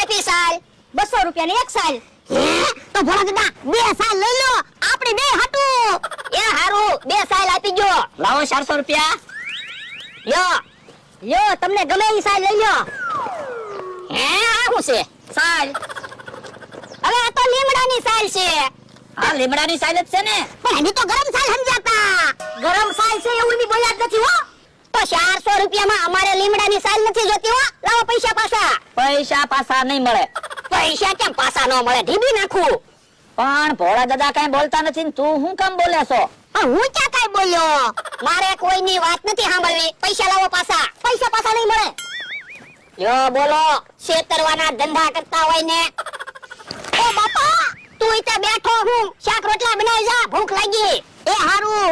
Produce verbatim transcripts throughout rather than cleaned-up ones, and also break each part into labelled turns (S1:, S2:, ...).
S1: કેટલી સાલ?
S2: બસો રૂપિયા ની એક સાલ.
S1: હે તો ભોળા દાદા બે સાલ લઈ લો આપણે બે હાટું. એ હારું બે સાલ આપી ગયો.
S2: લાવો ચારસો રૂપિયા. યો યો તમને ગમે એ સાલ લઈ લો.
S1: હે આ શું છે?
S2: સાલ.
S1: હવે આ તો લીમડાની સાલ છે.
S2: આ લીમડાની સાલ જ છે ને.
S1: પણ એની તો ગરમ સાલ સમજાતા.
S2: ગરમ સાલ છે એવું ની બોલ્યા જ નથી હો.
S1: તો ચારસો રૂપિયામાં અમારે લીમડાની સાલ નથી જોતી હો. લાવો પૈસા પાછા.
S2: પૈસા પાછા નહીં મળે.
S1: પૈસા કેમ પાછા ન મળે? ઢીબી નાખું.
S2: પણ ભોળા દાદા કઈ બોલતા નથી ને તું હું કેમ બોલે છો?
S1: પણ હું ક્યાં કઈ બોલ્યો? મારે કોઈની વાત નથી સાંભળવી. પૈસા લાવો પાછા.
S2: પૈસા પાછા નહીં મળે.
S1: યો બોલો છેતરવાના ધંધા કરતા હોય ને. ઓ બાપા તું ત્યાં બેઠો હું શાક રોટલા બનાવી જા ભૂખ લાગી. એ હારું.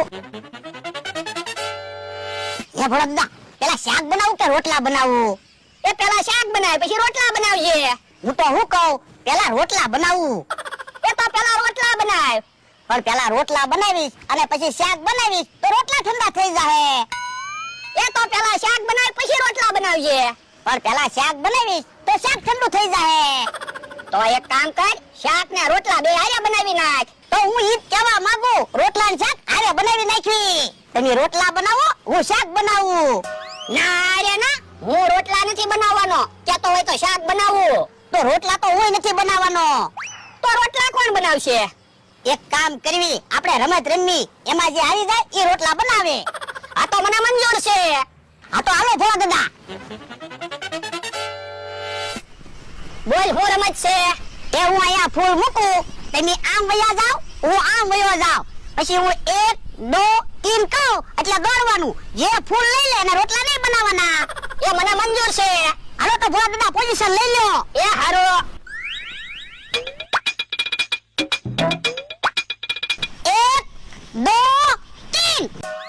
S1: એ ભોળા દાદા પેલા શાક બનાવું કે રોટલા બનાવું? એ પેલા શાક બનાવ પછી રોટલા બનાવજે. હું તો હું કહું પેલા રોટલા બનાવું. એ તો પેલા રોટલા બનાવ. પણ પેલા રોટલા બનાવીશ અને પછી શાક બનાવીશ તો રોટલા ઠંડા થઈ જાહે. એ તો પેલા શાક બનાવ પછી રોટલા બનાવજે. પણ પેલા શાક બનાવીશ તો શાક ઠંડુ થઈ જાહે. તો એક કામ કર શાક ને રોટલા બે હારે બનાવી નાખ. તો હું ઈ કહેવા માંગુ રોટલા ને શાક હારે બનાવી નાખવી. તમે રોટલા બનાવો હું શાક બનાવું. ના રે ના હું રોટલા નથી બનાવવાનો. કહેતો હોય તો શાક બનાવું. તો રોટલા તો હું નથી બનાવવાનો. તો રોટલા કોણ બનાવશે? એક કામ કરવી આપણે રમત રમવી એમાં જે હારી જાય એ રોટલા બનાવે. આ તો મને મંજૂર છે. આ તો હાલો ભોળા દાદા. બોલ હું રમત છે એ હું અહીંયા ફૂલ મૂકું તમે આમ વયા જાવ હું આમ વયો જાવ પછી હું એક દો તીન કહું એટલે દોડવાનું. જે ફૂલ લઈ લે એને રોટલા નહીં બનાવવાના. એ મને મંજૂર છે. હાલો તો ભોળા દાદા પોઝિશન લઈ લો. એ હારો. એક દો તીન.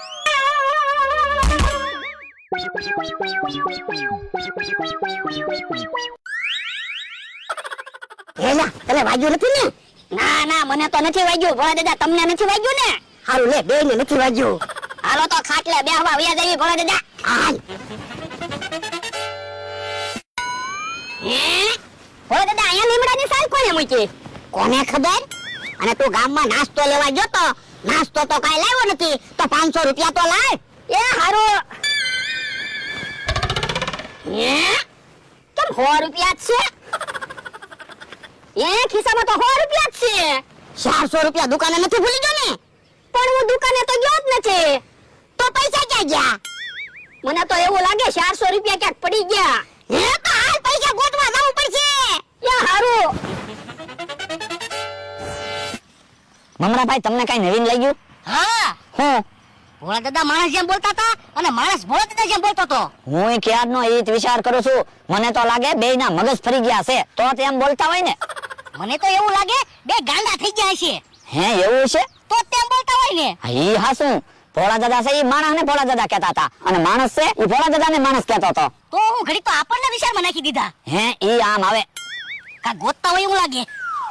S1: હેલા તને વાગ્યું નથી ને? ના ના મને તો નથી વાગ્યું. ભોળા દાદા તમને નથી વાગ્યું ને? હારું લે બે ને નથી વાગ્યું. હાલો તો ખાટલે બેહવા વયા જઈએ ભોળા દાદા. હાલ. હે ભોળા દાદા અહીંયા લીમડાની સાલ કોને મૂકી? કોને ખબર? અને તું ગામમાં નાસ્તો લેવા ગયો તો નાસ્તો તો કાઈ લાવ્યો નથી તો પાંચસો રૂપિયા તો લાવ. એ હારું. હે કેમ સો રૂપિયા જ છે? એ ખિસ્સામાં તો સો રૂપિયા જ છે. ચારસો રૂપિયા દુકાને નથી ભૂલી ગયો ને? પણ હું દુકાને તો ગયો જ નથી. તો પૈસા ક્યાં ગયા? મને તો એવું લાગે ચારસો રૂપિયા ક્યાંક પડી ગયા. હે તો હાલ પૈસા ગોતવા જવું પડશે. એ હારું.
S2: મમરાભાઈ તમને કઈ નવીન લાગ્યું?
S1: હા
S2: હું
S1: ભોળા દાદા માણસ જેમ બોલતા હતા અને માણસ ભોળા દાદા જેમ બોલતો હતો.
S2: હું ક્યારનો એ જ વિચાર કરું છું. મને તો લાગે બે ના મગજ ફરી ગયા છે તો તેમ બોલતા હોય ને.
S1: મને તો એવું લાગે બે ગાંડા થઈ ગયા છે.
S2: હે એવું છે?
S1: તો તેમ બોલતા હોય ને.
S2: હા ઈ હાસું. ભોળા દાદા છે ઈ માણસ ને ભોળા દાદા કહેતા હતા અને માણસ છે ઈ ભોળા દાદા ને માણસ કહેતો હતો.
S1: તો હું ઘડી તો આપણને વિચારમાં નાખી દીધા.
S2: હે ઈ આમ આવે.
S1: કા ગોતતા હોય એવું લાગે.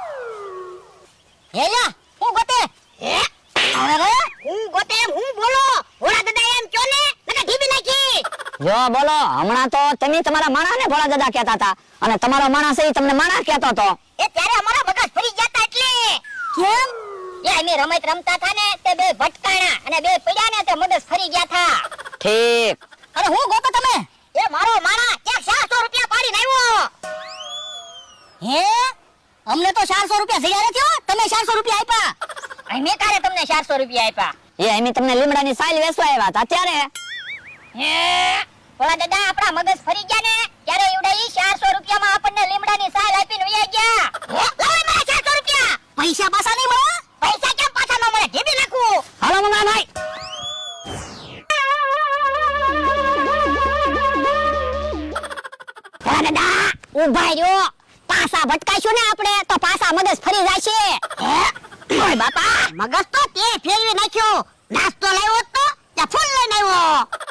S1: હેલા હું ગોતે. હે અરે હું ગોતે હું બોલો. ભોળા દાદા એમ કયો ને નકા ઢીબી નાખી.
S2: જો બોલો હમણાં તો તમે તમારા માણસ ને ભોળા દાદા કહેતા હતા અને તમારો માણસ છે ઈ તમને માણસ કહેતો હતો.
S1: એ ત્યારે અમારા મગજ ફરી ગયા હતા એટલે. કેમ? એ અમે રમત રમતા હતા ને તે બે ભટકાણા અને બે પડ્યા ને તે મગજ ફરી ગયા હતા.
S2: ઠીક.
S1: અરે હું ગોતો તમે? એ મારો માણા ક્યાંક ચારસો રૂપિયા પાડીને આવ્યો. હે અમને તો ચારસો રૂપિયા જગ્યા નથી હો. તમે ચારસો રૂપિયા આપ્યા. અહીં મેં કારે તમને ચારસો રૂપિયા આપ્યા?
S2: એ અમે તમને લીમડાની સાલ વેચવા આવ્યા હતા ત્યારે.
S1: હે ભોળા દાદા આપણા મગજ ફરી ગયા ને ત્યારે એવડા ઈ ચારસો રૂપિયામાં આપણને લીમડાની સાલ આપીને વયા ગયા. હે લાવો મારા ચારસો રૂપિયા. પૈસા પાછા નહીં મળે? પૈસા કેમ પાછા ન મળે? ઢીબી નાખું.
S2: હાલો મમરાભાઈ.
S1: ભોળા દાદા ઉભા રહ્યો. પાછા ભટકાઈશું ને આપણે તો પાછા મગજ ફરી જશે. હે ઓય બાપા મગજ તો તે ફેરવી નાખ્યો. નાસ્તો લાવ્યો તો ત્યાં ફૂલ લઈને આવ્યો.